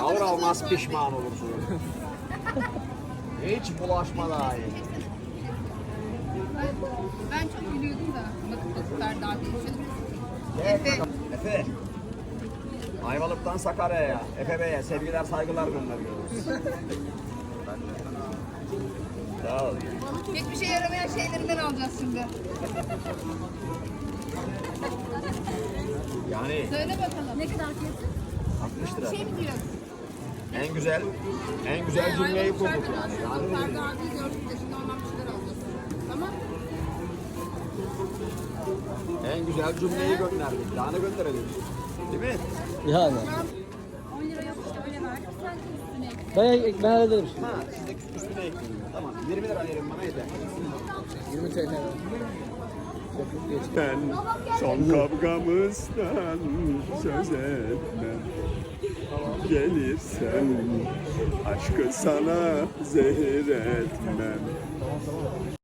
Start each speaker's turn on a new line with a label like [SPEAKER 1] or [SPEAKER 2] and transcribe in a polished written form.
[SPEAKER 1] Alır almaz pişman olursun. Hiç bulaşma daha iyi.
[SPEAKER 2] Ben çok gülüyordum da. Bakıp daha değişiyor.
[SPEAKER 1] Efe. Efe. Ayvalık'tan Sakarya'ya, Efe Bey'e sevgiler saygılar gönderiyoruz. Sağ ol.
[SPEAKER 2] Hiçbir şey yaramayan şeylerinden alacağız şimdi.
[SPEAKER 1] Yani
[SPEAKER 2] Söyle bakalım. Ne kadar fiyatı?
[SPEAKER 1] 60 lira.
[SPEAKER 2] Şey mi diyor?
[SPEAKER 1] En güzel cümleyi kurduk yani.
[SPEAKER 2] Ferdi abiyi gördük de şimdi ondan bir şeyler alacağız. Tamam.
[SPEAKER 1] En güzel cümleyi gönderdik. Daha ne gönderelim? Değil mi?
[SPEAKER 3] Yani.
[SPEAKER 2] 10 lira yok işte öyle verdik. Sen üstüne ekle.
[SPEAKER 3] Ben hallederim şimdi.
[SPEAKER 1] Ha, sizdeki üstüne ekleyin. Tamam. 20 lira verin bana yeter.
[SPEAKER 3] 20 TL.
[SPEAKER 4] Ben son kavgamızdan söz etmem. Gelirsen aşkı sana zehir etmem.